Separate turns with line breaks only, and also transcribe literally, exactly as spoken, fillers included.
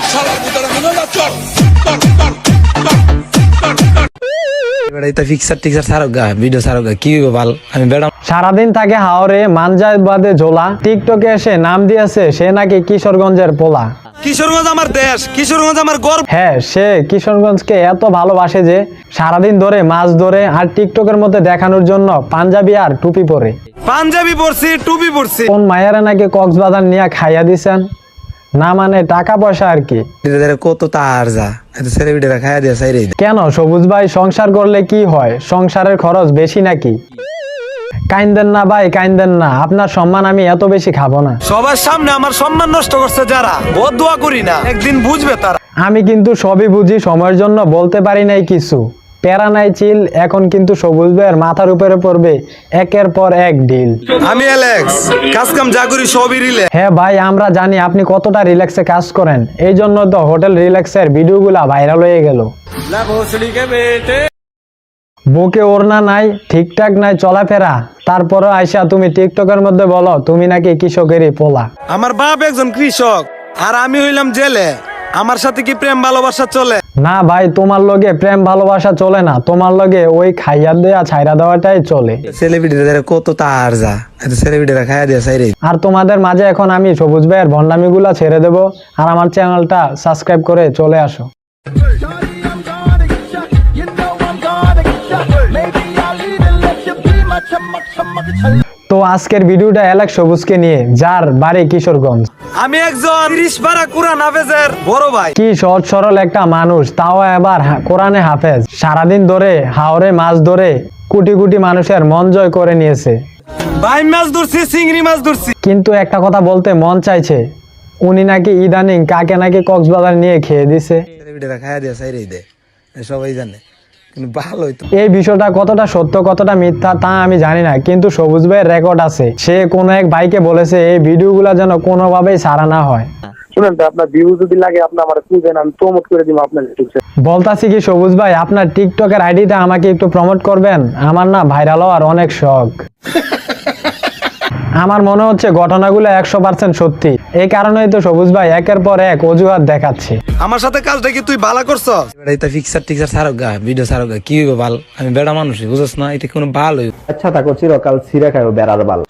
সারাদিন থাকে হাওরে মানজায় বাদে ঝোলা, টিকটকে এসে নাম দিয়েছে সে নাকি কিশোরগঞ্জের পোলা।
কিশোরগঞ্জ আমার দেশ, কিশোরগঞ্জ আমার গর্ব।
হ্যাঁ, সে কিশোরগঞ্জকে এত ভালোবাসে যে সারাদিন ধরে মাছ ধরে আর টিকটকের মধ্যে দেখানোর জন্য পাঞ্জাবি আর টুপি পরে।
পাঞ্জাবি পরছি, টুপি পরছি।
কোন মায়েরা নাকি কক্সবাজার নিয়ে খাইয়া দিছেন, না মানে টাকা পয়সা আর কি।
কত তার যা ছেলেবিটা খাইয়া দিয়ে চাইরে।
কেন সবুজ ভাই, সংসার করলে কি হয়? সংসারের খরচ বেশি নাকি? কাইন্দেন না ভাই, কাইন্দেন না, আপনার সম্মান আমি এত বেশি খাবো না।
সবার সামনে আমার সম্মান নষ্ট করছে যারা, বদদুয়া করি না, একদিন বুঝবে তারা।
আমি কিন্তু সবই বুঝি, সময়ের জন্য বলতে পারি নাই কিছু। প্যারা নাই চিল, এখন কিন্তু সবুজ ভাইয়ের মাথার উপরে পড়বে একের পর এক ডিল।
আমি অ্যালেক্স, কাজ কাম যা করি সবই রিল্যাক্স।
হ্যাঁ ভাই, আমরা জানি আপনি কতটা রিল্যাক্সে কাজ করেন, এই জন্য তো হোটেল রিল্যাক্সের ভিডিওগুলা ভাইরাল হয়ে গেল। বুকে ওড়না নাই, ঠিকঠাক নাই চলাফেরা, তারপরে আইসা তুমি টিকটকের মধ্যে বলো তুমি নাকি কৃষকেরই পোলা।
আমার বাপ একজন কৃষক আর আমি হইলাম জেলে, আমার সাথে কি প্রেম ভালোবাসা চলে?
না ভাই, তোমার লগে প্রেম ভালোবাসা চলে না, তোমার লগে ওই খাইয়া দেয়া ছাইরা দেওয়াটাই চলে।
ছেলেবিটা কত তার যা ছেলেবিটা খাইয়া দিয়ে চাইরে।
আর তোমাদের মাঝে এখন আমি সবুজ ভাইয়ের ভণ্ডামি গুলা ছেড়ে দেবো, আর আমার চ্যানেলটা সাবস্ক্রাইব করে চলে আসো। তো আজকের ভিডিওটা অ্যালেক্স সবুজকে নিয়ে, যার বাড়ি কিশোরগঞ্জ।
আমি একজন ত্রিশ পারা কুরআন হাফেজের বড় ভাই।
কি সহজ সরল একটা মানুষ, তাও এবার কোরআনে হাফেজ। সারাদিন ধরে হাওরে মাছ ধরে কোটি কোটি মানুষের মন জয় করে নিয়েছে।
ভাই মাছ ধরছি, চিংড়ি মাছ ধরছি।
কিন্তু একটা কথা বলতে মন চাইছে, উনি নাকি ইদানিং কাকে নাকি কক্সবাজার নিয়ে খেয়ে দিছে।
ছেলেবিটা খাইয়া দিয়ে চাইরে দে, সবাই জানে। কিন্তু ভালোই তো।
এই বিষয়টা কতটা সত্য কতটা মিথ্যা তা আমি জানি না, কিন্তু সবুজ ভাইয়ের রেকর্ড আছে। সে কোন এক ভাইকে বলেছে এই ভিডিওগুলো যেন কোনোভাবেই ছাড়া না হয়।
শুনেন তো, আপনার ভিউ যদি লাগে আপনি আমার খুঁজেন, আমি প্রমোট করে দিব আপনার ইউটিউবে।
বলতাছি কি সবুজ ভাই, আপনার টিকটকের আইডিটা আমাকে একটু প্রমোট করবেন? আমার না ভাইরাল হওয়ার অনেক শখ। আমার মনে হচ্ছে ঘটনাগুলো একশো পার্সেন্ট সত্যি, এই কারণেই তো সবুজ ভাই একের পর এক অজুহাত দেখাচ্ছে।
আমার সাথে কাজটা কি তুই ভালো করছ?
ফিক্সার টিক্সার ছাড়ক গা, ভিডিও ছাড়ক গা, কি হইব ভাল? আমি বেড়া মানুষ, বুঝছ না? এটা কোনো ভালো।
আচ্ছা থাকো, চিরকাল ছিঁড়ে খাইও বেড়ার বাল।